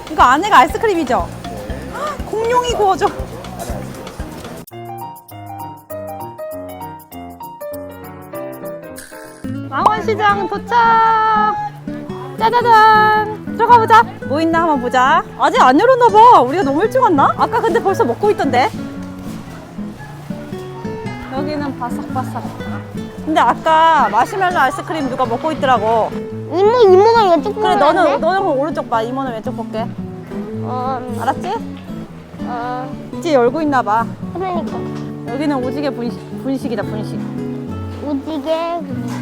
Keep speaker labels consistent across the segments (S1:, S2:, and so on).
S1: 이거 안에가 아이스크림이죠? 헉, 공룡이 구워져. 망원시장 도착! 짜자잔! 들어가 보자. 뭐 있나 한번 보자. 아직 안 열었나 봐. 우리가 너무 일찍 왔나? 아까 근데 벌써 먹고 있던데. 여기는 바삭바삭. 근데 아까 마시멜로 아이스크림 누가 먹고 있더라고.
S2: 이모가 왼쪽
S1: 그래,
S2: 보면
S1: 너는 오른쪽 봐. 이모는 왼쪽 볼게. 알았지? 이제 열고 있나 봐.
S2: 그러니까
S1: 여기는 오지게 분식이다, 분식.
S2: 오지게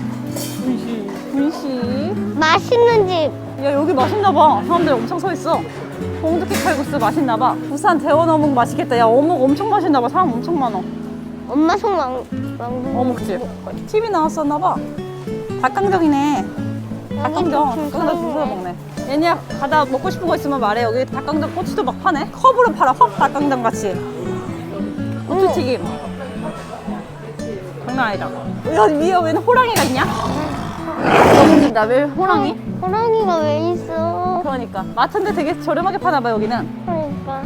S1: 분식.
S2: 맛있는 집.
S1: 야, 여기 맛있나 봐. 사람들 엄청 서 있어. 봉두깨 칼국수 맛있나 봐. 부산 대원 어묵 맛있겠다. 야, 어묵 엄청 맛있나 봐. 사람 엄청 많아.
S2: 엄마 손
S1: 어묵집. TV 나왔었나 봐. 닭강정이네. 닭강정. 여기다 주워 먹네. 얘네야, 가다 먹고 싶은 거 있으면 말해. 여기 닭강정 꼬치도 막 파네. 컵으로 팔아. 컵 닭강정 같이. 고추튀김. 장난 아니다. 야, 위에 왜 호랑이가 있냐? 너무 웃긴다. 왜 호랑이?
S2: 호랑이가 왜 있어?
S1: 그러니까. 마트인데 되게 저렴하게 파나봐, 여기는.
S2: 그러니까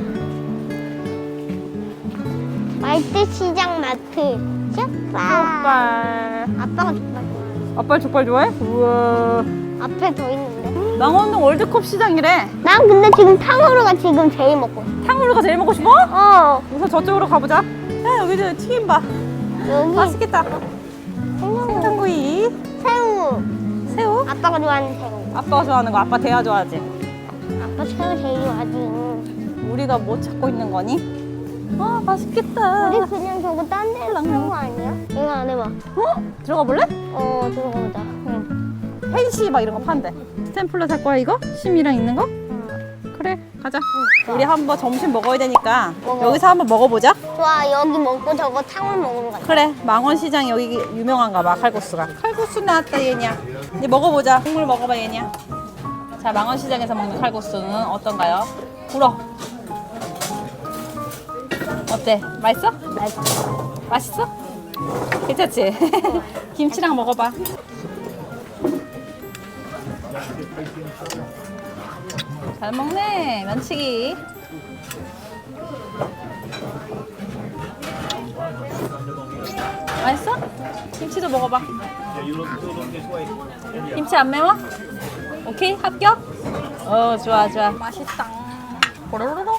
S2: 말대시장 마트. 족발.
S1: 족발.
S2: 아빠가 족발 좋아해.
S1: 아빠 족발 좋아해? 우와.
S2: 앞에 더 있는데.
S1: 망원동 월드컵 시장이래.
S2: 난 근데 지금 탕후루가 지금 제일 먹고 싶어.
S1: 탕후루가 제일 먹고 싶어? 우선 저쪽으로 가보자. 야, 여기도 튀김 봐.
S2: 여기
S1: 맛있겠다. 생선구이.
S2: 새우.
S1: 새우?
S2: 아빠가 좋아하는 새우.
S1: 아빠가 좋아하는 거. 아빠 대야 좋아하지.
S2: 아빠 새우 제일 좋아하지.
S1: 우리가 뭐 찾고 있는 거니? 아, 맛있겠다.
S2: 우리 그냥 저거 딴 데로 산 거 아니야? 이거 안 해봐.
S1: 들어가 볼래?
S2: 들어가보자.
S1: 펜시 막 이런 거 판대. 스탬플러 살 거야, 이거? 심이랑 있는 거? 그래, 가자. 우리 한번 점심 먹어야 되니까
S2: 먹어.
S1: 여기서 한번 먹어보자.
S2: 좋아, 여기 먹고 저거 탕후루 먹으러 가자.
S1: 그래, 망원시장 여기 유명한가 봐, 칼국수가. 칼국수 나왔다, 얘냐. 이제 먹어보자. 국물 먹어봐, 얘냐. 자, 망원시장에서 먹는 칼국수는 어떤가요? 불어. 어때? 맛있어?
S2: 맛있어.
S1: 맛있어? 괜찮지? 김치랑 먹어봐. 잘 먹네, 면치기. 맛있어? 김치도 먹어봐. 김치 안 매워? 오케이, 합격? 좋아, 좋아. 맛있다. 보로로로.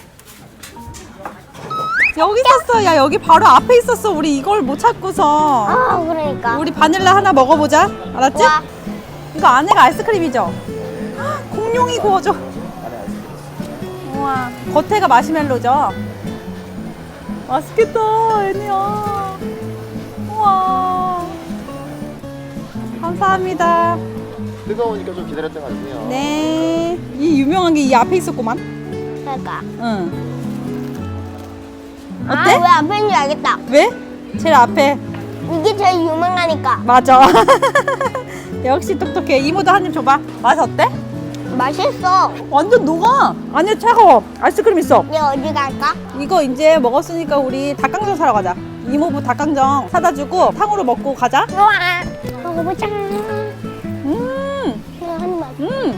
S1: 여기 있었어. 야, 여기 바로 앞에 있었어. 우리 이걸 못 찾고서.
S2: 그러니까.
S1: 우리 바닐라 하나 먹어보자. 알았지?
S2: 좋아.
S1: 이거 안에가 아이스크림이죠? 헉, 공룡이 구워져. 우와. 겉에가 마시멜로죠? 맛있겠다, 애니야. 우와. 감사합니다.
S3: 뜨거우니까 좀 기다렸다 가주세요.
S1: 네. 이 유명한 게 이 앞에 있었구만.
S2: 그러니까.
S1: 응. 어때?
S2: 왜 앞에 있는지 알겠다.
S1: 왜? 제일 앞에.
S2: 이게 제일 유명하니까.
S1: 맞아. 역시 똑똑해. 이모도 한 입 줘봐. 맛 어때?
S2: 맛있어.
S1: 완전 녹아. 안에 차가워. 아이스크림 있어.
S2: 이제 어디 갈까?
S1: 이거 이제 먹었으니까 우리 닭강정 사러 가자. 이모부 닭강정 사다 주고 탕후루 먹고 가자.
S2: 좋아. 먹어보자. 이거 한 입.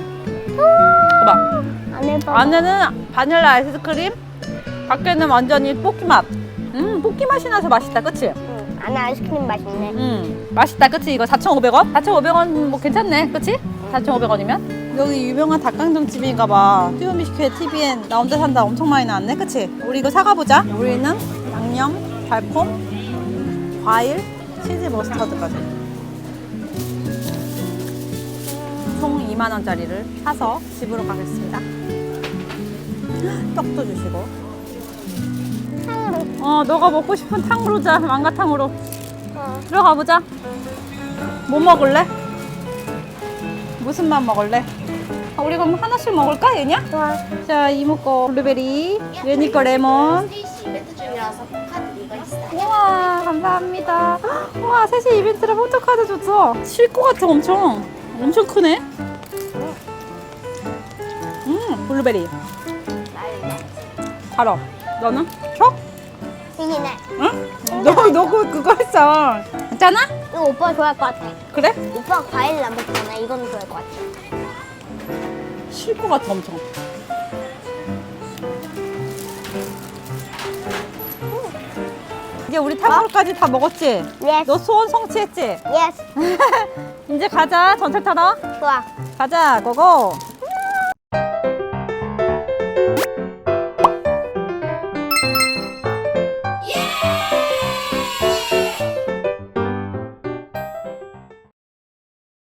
S1: 봐봐.
S2: 안에 봐.
S1: 안에는 바닐라 아이스크림, 밖에는 완전히 뽀끼 맛. 뽀끼 맛이 나서 맛있다, 그치?
S2: 응, 안에 아이스크림 맛있네.
S1: 맛있다, 그치? 이거 4,500원? 4,500원 뭐 괜찮네, 그치? 4,500원이면? 여기 유명한 닭강정 집인가 봐. 튜브미식회 TVN 나 혼자 산다 엄청 많이 나왔네, 그치? 우리 이거 사가보자. 우리는 양념, 달콤, 과일, 치즈 머스타드까지. 총 2만원짜리를 사서 집으로 가겠습니다. 떡도 주시고.
S2: 탕후루.
S1: 너가 먹고 싶은 탕후루자, 망가탕후루.
S2: 어.
S1: 들어가 보자. 뭐 먹을래? 무슨 맛 먹을래? 우리 그럼 하나씩 먹을까, 얘냐?
S2: 좋아.
S1: 자, 이모 거 블루베리, 얘니 거 레몬. 우와, 감사합니다. 우와, 셋이 이벤트라 포토카드 줬어. 실 것 같아, 엄청. 엄청 크네. 블루베리. 달아. 너는? 초?
S2: 이기네.
S1: 응? 너 그거 했어. 괜찮아?
S2: 이거 오빠 좋아할 것 같아.
S1: 그래?
S2: 오빠 과일 안 먹잖아. 이거는 좋아할 것 같아.
S1: 실 것 같아, 엄청. 이제 우리 탕후루까지 다 먹었지?
S2: 예스.
S1: 너 소원 성취했지?
S2: 예스.
S1: 이제 가자 전철 타러.
S2: 좋아.
S1: 가자 고고.